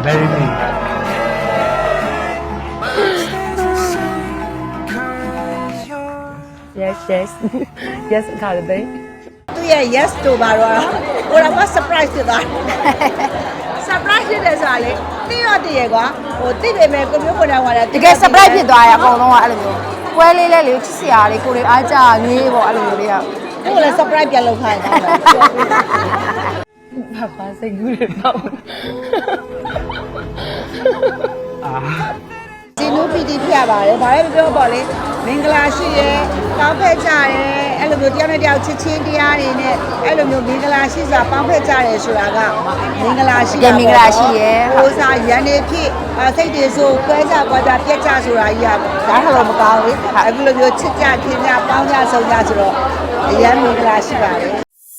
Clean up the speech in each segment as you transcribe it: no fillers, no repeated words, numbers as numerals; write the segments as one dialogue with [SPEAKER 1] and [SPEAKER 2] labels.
[SPEAKER 1] Marry me.
[SPEAKER 2] Yes, yes. Yes, got it, babe.
[SPEAKER 3] သူရဲ့ yes တို့ပါတော့ကိုတော့ surprise ဖြစ်သွား surprise ဖြစ်တယ်ဆိုတာလေသိရတည်းရကွာဟိုသိပေမဲ့ကိုမျိုးကိုယ်တိုင်ကလည်း
[SPEAKER 2] တကယ် surprise ဖြစ်သွားရအကုန်လုံးကအဲ့လိုမျိုးပွဲလေးလေးလေးချစ်စရာလေးကိုတွေအားကြငေးပေါ့အဲ့လိုမျိုးလေးက
[SPEAKER 3] ကိုယ်လည်း surprise ပြန်လုပ်ခိုင်းတာ
[SPEAKER 2] ဘာစိတ်ကူးတယ်တော့
[SPEAKER 3] ဒီလိုပီတီဖြစ်ရပါတယ်ဘာလဲပြောပေါ့လေမင်္ဂလာရှိရဲပေါင်းဖက်ကြရဲအဲ့လိုမျိုးတရားနဲ့တရားချစ်ချင်းတရားတွေနဲ့အဲ့လိုမျိုးမင်္ဂလာရှိစွာပေါင်းဖက်ကြရဲဆိုတာကမင်္ဂလာရှိဟိုစားရန်နေဖြစ်စိတ်တွေဆိုကွဲကြကွာကြပြက်ကြဆိုတာကြီးကဒါတော့မကောင်းဘူးအခုလိုမျိုးချစ်ကြခင်ကြပေါင်းကြဆုံးကြဆိုတော့အရန်မင်္ဂလာရှိပါတယ်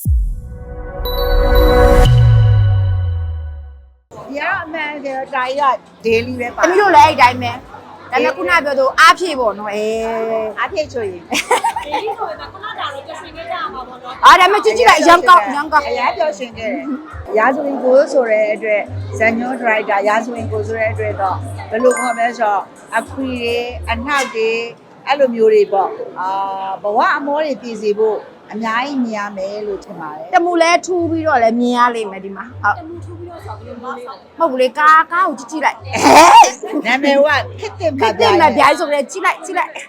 [SPEAKER 3] ရအမှန်တယ်တာကြီးက daily ပဲပါ
[SPEAKER 2] တမီးတို့လည်းအဲ့တိုင်းပဲဒါနဲ့ခုနပြောသူအားဖြည့်ပေါ့နော်
[SPEAKER 3] အားဖြည့်ချွေရင်
[SPEAKER 4] ဒီဆိုရင်ခုနကလည်းကြွှင်ခဲ့ကြရမှာပေါ့နော်
[SPEAKER 2] အားဒါမဲ့ကြည့်ကြည့်လိုက်ရမ်းကောင်းရမ်းကောင်း
[SPEAKER 3] အရာပြောရှင်ခဲ့တယ်ရာဇဝင်ကိုဆိုတဲ့အတွက်ဇန်ညွန်ဒရိုက်တာရာဇဝင်ကိုဆိုတဲ့အတွက်တော့ဘယ်လိုခေါ်မလဲဆိုတော့အခွေတွေအနှောက်တွေအဲ့လိုမျိုးတွေပေါ့ဘဝအမောတွေပြည်စီဖို့အများကြီးမြင်ရမယ်လို့ထင်ပါတယ်
[SPEAKER 2] တမူလဲထူးပြီးတော့လည်းမြင်ရလိမ့်မယ်ဒီမှာဟုတ်
[SPEAKER 4] တမှုထူပြီးတော့ဆောက်ပြီးတော့ဆောက်
[SPEAKER 2] မဟုတ်ဘူးလေကားကိုကြည့်ကြည့်လိုက်
[SPEAKER 3] နာမည်ကခစ်တင်
[SPEAKER 2] ခက်တယ်မပြိုင်ဆိုလည်းကြည့်လိုက်ကြည့်လိုက်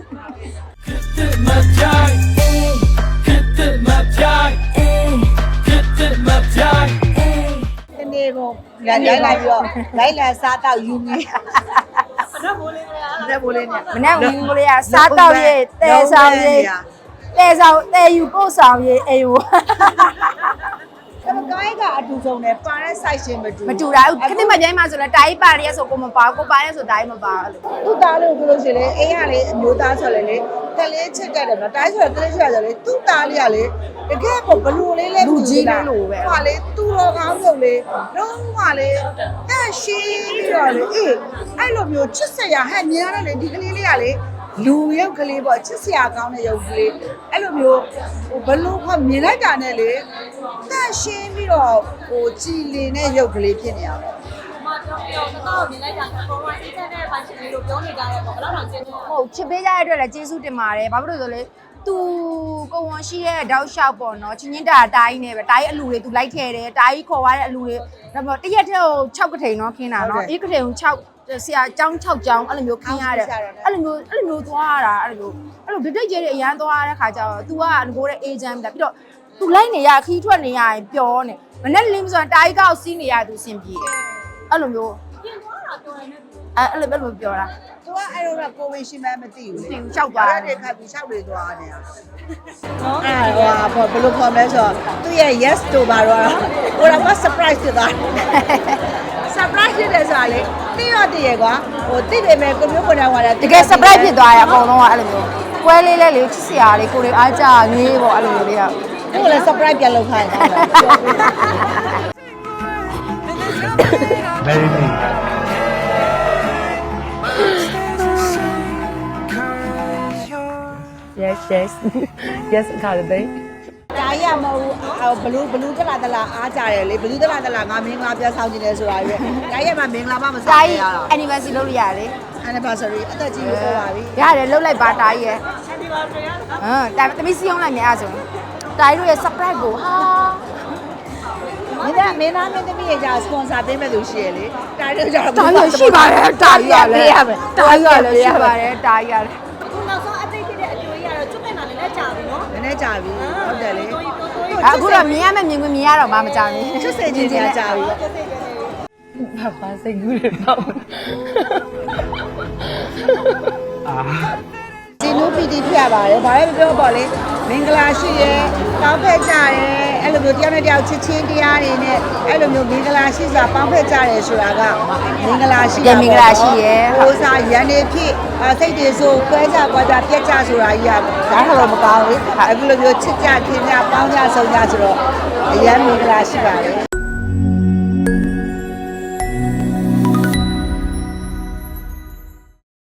[SPEAKER 3] ဒီနေ့ကလိုက်လာပြီးတော့လိုက်လာစားတော့ယူနေ
[SPEAKER 4] တော့မိုးလေးများ
[SPEAKER 3] တဲ့ဘိုးလေးနဲ့
[SPEAKER 2] မနေ့ကဦးကလေးကစားတော့ရေးတဲဆောင်ရေးတဲဆောင်တဲယူပို့ဆောင်ရေးအေးဝ
[SPEAKER 3] ဒါပေမဲ့ကိုင်းကအတူဆုံးနဲ့ပါတဲ့ site ရှင်မတူ
[SPEAKER 2] မတူတာခက်တဲ့မပြိုင်မှာဆိုလည်းတာကြီးပါရဲဆိုကိုမပါကိုပါရဲဆိုတာကြီးမပါအဲ့လို
[SPEAKER 3] သူ့သားလို့ပြောလို့ရှိရင်လေအိမ်ကလေအမျိုးသားဆိုလည်းလေကလေးချစ်တတ်တယ်နော်တိုင်းဆိုတော့ကလေးချစ်ရတယ်လေသူ့သားလေးကလေတကယ်ပေါ့ဘလူလေးလဲဟာလေသူ့တော်ကောင်းဆုံးလေလုံးဝလေအဲ့ရှိပြီးတော့လေအေးအဲ့လိုမျိုးချစ်စရာဟဲ့မြင်ရတယ်လေဒီကလေးလေးကလေလူရုပ်ကလေးပေါ့ချစ်စရာကောင်းတဲ့ရုပ်ကလေးအဲ့လိုမျိုးဟိုဘလူကမြင်လိုက်တာနဲ့လေတက်ရှင်းပြီးတော့ဟိုကြည်လင်တဲ့ရုပ်ကလေးဖြစ်နေရပါ
[SPEAKER 4] မတော့ပြောတော့မြင်လိုက်တာကပေါ်မှာအစ်တဲ့ပိုင်ရှင်လေးလို့ပြောနေကြရဲပေါ့ဘယ်တော့ကျင်းနေ
[SPEAKER 2] ဟုတ်ချစ်ပေးကြရတဲ့အတွက်လည်းကျေးဇူးတင်ပါတယ်ဘာဖြစ်လို့ဆိုလဲသူကိုဝန်ရှိရဲ့တောက်လျှောက်ပေါ့နော်ချင်းချင်းတာတာကြီးနဲ့ပဲတာကြီးအလူတွေသူလိုက်ထဲတယ်တာကြီးခေါ်သွားတဲ့အလူတွေဒါပေမဲ့တရက်တည်းကို6ကထိန်နော်ခင်းတာနော်အေးကထိန်ကို6ဆရာကျောင်း6ကျောင်းအဲ့လိုမျိုးခင်းရတယ်အဲ့လိုမျိုးသွားရတာအဲ့လိုဒိတ်ကျဲတွေအရန်သွားရတဲ့ခါကျတော့ तू ကငကိုတဲ့ agent ပြီးတော့ तू လိုက်နေရခီးထွက်နေရရင်ပျောနေမနဲ့လင်းဆိုတာတာကြီးကောက်စီးနေရ तू စင်ပြေအဲ့လိုမျိုး
[SPEAKER 4] ပြင်သွားတာပြောရင်လည်း
[SPEAKER 2] အဲ့လိုပြောတာ
[SPEAKER 3] သူကအဲ့လိုတော့ကိုဝင်ရှိမှမသိဘူးလေ
[SPEAKER 2] လျှောက်သွားတယ်
[SPEAKER 3] တဲ့ခါပြီးလျှောက်တွေသွားနေတာနော်အဲ့ဟိုဘယ်လိုခေါ်မလဲဆိုတော့သူရဲ့ yes တို့ပါတော့ကိုတော့ surprise ဖြစ်သွား surprise ဖြစ်တယ်ဆိုတာလေသိရတည်းရကွာဟိုသိပေမဲ့ကိုမျိုးကိုယ်တိုင်ကလည်း
[SPEAKER 2] တကယ် surprise ဖြစ်သွားရအကုန်လုံးကအဲ့လိုမျိုးပွဲလေးလေးလေးချစ်စရာလေးကိုတွေအားကြငေးပေါ့အဲ့လိုမျိုးလေးက
[SPEAKER 3] ကိုယ်လည်း surprise ပြန်လုပ်ခိုင်းတာ
[SPEAKER 1] Marry me.
[SPEAKER 2] Yes, yes. Yes, got it, babe.
[SPEAKER 3] ဒါရမဟုတ်ဘလူးတလားအားကြတယ်လေဘလူးတလားငါမင်္ဂလာပြဆောင်နေတယ်ဆိုတာပဲဒါရမှာမင်္ဂလာမဆောင်
[SPEAKER 2] တာ
[SPEAKER 3] ရ
[SPEAKER 2] ကြီး
[SPEAKER 3] တာ
[SPEAKER 2] anniversary လုပ်လို့ရတယ်
[SPEAKER 3] anniversary အသက်ကြီးလို့ပြောပါပြီ
[SPEAKER 2] ရတယ်လုပ်လိုက်ပါတာကြီးရဲ့တာသမီးစီအောင်လိုက်မြအားဆိုရင်တာကြီးတို့ရဲ့ surprise ကိုဟာ
[SPEAKER 3] မင်းသားမင်းသမီးရဲ့ကြာ sponsor ပေးမဲ့သူရှိရလေတာတို့ကြာ
[SPEAKER 2] တာကြီးရှိပါတယ်တာကြီးရလဲတာကြီးရလဲရှိပါတယ်တာကြီးရလဲ
[SPEAKER 4] ခုနောက်ဆုံးအသိဖြစ်တဲ့အကျိုးကြီးကတော့ကျွတ်နေတာလည်းကြာပြီနော်
[SPEAKER 3] နည်းနည်းကြာပြီဟုတ်တယ်လေ
[SPEAKER 2] အခုတော့မြင်ရမယ်မြင်ခွင့်မြင်ရတော့မှမကြောက်ဘူး
[SPEAKER 3] ချစ်စင်ချင်းကြာကြာပြီ
[SPEAKER 2] ဘာစိတ်ကူးတယ်တော့
[SPEAKER 3] ဒီလိုပီတီဖြစ်ရပါတယ်ဘာလဲပြောပေါ့လေမင်္ဂလာရှိရဲပေါင်းဖက်ကြရဲအဲ့လိုမျိုးတရားနဲ့တရားချစ်ချင်းတရားတွေနဲ့အဲ့လိုမျိုးမင်္ဂလာရှိစွာပေါင်းဖက်ကြရဲဆိုတာကမင်္ဂလာရှိဟိုစားရန်နေဖြစ်စိတ်တွေဆိုကွဲကြကွာကြပြက်ကြဆိုတာကြီးကဒါတော့မကောင်းဘူးအခုလိုမျိုးချစ်ကြခင်ကြပေါင်းကြဆုံးကြဆိုတော့အရန်မင်္ဂလာရှိပါတယ်